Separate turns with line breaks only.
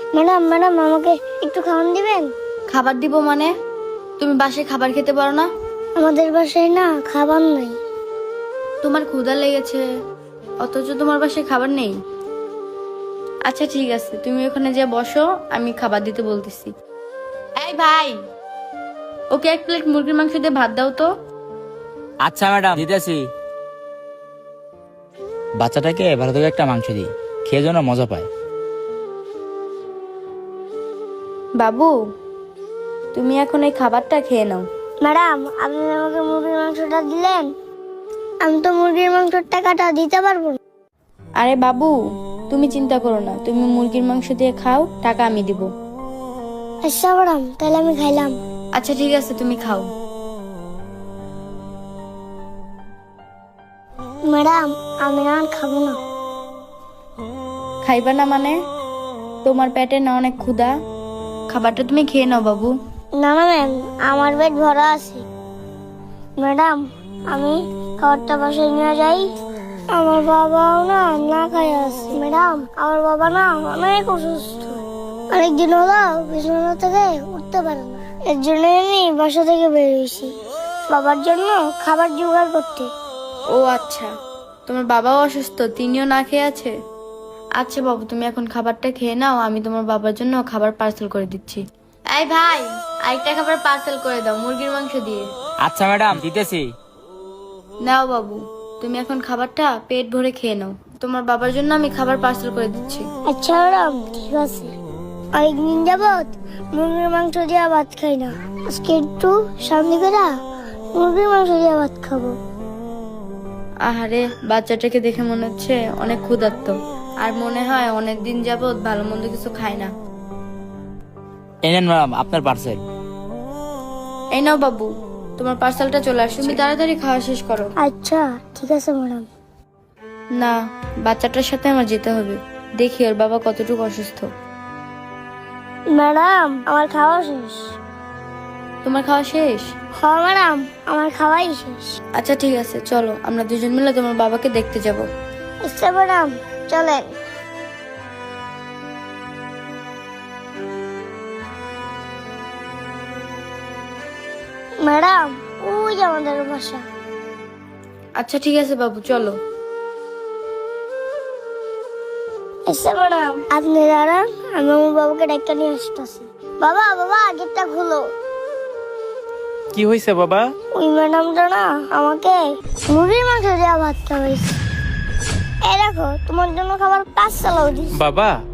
Madam madam আমাকে একটু খাওয়ান দিবেন?
খাবার দিব মানে? তুমি বাসায় খাবার খেতে পারো না?
আমাদের বাসায় না খাবার নাই।
তোমার ক্ষুধা লেগেছে অথচ তোমার বাসায় খাবার নেই? আচ্ছা ঠিক আছে, তুমি ওখানে যে বসো, আমি খাবার দিতে বলতেছি। এই ভাই, ওকে 1 প্লেট মুরগির মাংস দিয়ে ভাত দাও তো।
আচ্ছা ম্যাডাম, দিতেছি। বাচ্চাটাকে ভালো করে একটা মাংস দিই, খেয়ে যেন মজা পায়।
বাবু, তুমি এখন এই খাবারটা খেয়ে নাও।
ম্যাডাম আপনি আমাকে মুরগির মাংসটা দিলেন, আমি তো মুরগির মাংসের টাকাটা দিতে পারবো না।
আরে বাবু, তুমি চিন্তা করো না, তুমি মুরগির মাংস দিয়ে খাও, টাকা আমি দিব।
আচ্ছা ম্যাডাম, তাহলে আমি খাইলাম।
আচ্ছা ঠিক আছে, তুমি খাও।
ম্যাডাম আমি আর খাবো না।
খাইবা না মানে? তোমার পেটে না অনেক ক্ষুধা, খাবারটা তুমি খেয়ে নাও বাবু।
না না ম্যাম, আমার পেট ভরা আছে। ম্যাডাম আমি খাবারটা বাসায় নিয়ে যাই। আমার বাবাও না না খাই আছে। ম্যাডাম আমার বাবা না অনেক অসুস্থ, অনেকদিন হলো বিছানা থেকে উঠতে পারে না। এর জন্য আমি বাসা থেকে বেরিয়েছি বাবার জন্য খাবার জোগাড় করতে।
ও আচ্ছা, তোমার বাবাও অসুস্থ, তিনিও না খেয়ে আছে? আচ্ছা বাবু, তুমি এখন খাবারটা খেয়ে নাও, আমি তোমার বাবার জন্য খাবার পার্সেল করে দিচ্ছি। এই ভাই, আরেকটা খাবার পার্সেল করে দাও মুরগির মাংস দিয়ে।
আচ্ছা ম্যাডাম, দিতেছি।
নাও বাবু, তুমি এখন খাবারটা পেট ভরে খেয়ে নাও, তোমার বাবার জন্য আমি খাবার পার্সেল করে দিচ্ছি।
আচ্ছা ম্যাডাম ঠিক আছে। অনেকদিন যাবত মুরগির মাংস দিয়ে ভাত খাই না, আজকে একটু শান্তি করে মুরগির মাংস দিয়ে ভাত খাবো।
আহারে, বাচ্চাটাকে দেখে মনে হচ্ছে অনেক ক্ষুধার্ত, আর মনে হয় অনেক দিন যাবত ভালো মন্দ কিছু খায় না।
এই নেন ম্যাডাম আপনার পার্সেল।
এই নাও বাবু, তোমার পার্সেলটা চলে আসছে, তুমি তাড়াতাড়ি খাওয়া শেষ করো।
আচ্ছা ঠিক আছে ম্যাডাম।
না, বাচ্চাটার সাথে আমার যেতে হবে, দেখি ওর বাবা কতটুকু অসুস্থ।
ম্যাডাম আমার খাওয়া শেষ।
তোমার খাওয়া শেষ?
হ্যাঁ ম্যাডাম আমার খাওয়াই শেষ।
আচ্ছা ঠিক আছে, চলো আমরা দুজন মিলে তোমার বাবাকে দেখতে যাব।
আচ্ছা ম্যাডাম চলেন। ম্যাডাম ওই যে আমাদের বাসা।
আচ্ছা ঠিক আছে বাবু, চলো।
আচ্ছা ম্যাডাম আপনি দাঁড়ান, আমি আমার বাবাকে ডাক্তার নিয়ে আসতেছি। বাবা বাবা গেটটা খুলো।
কি হয়েছে বাবা?
ওই ম্যাডামটা না আমাকে মুরগির মাংস দেওয়া ভাত খাওয়াইছে। এই দেখো তোমার জন্য খাবার পাঁচ চালাও দিস।
বাবা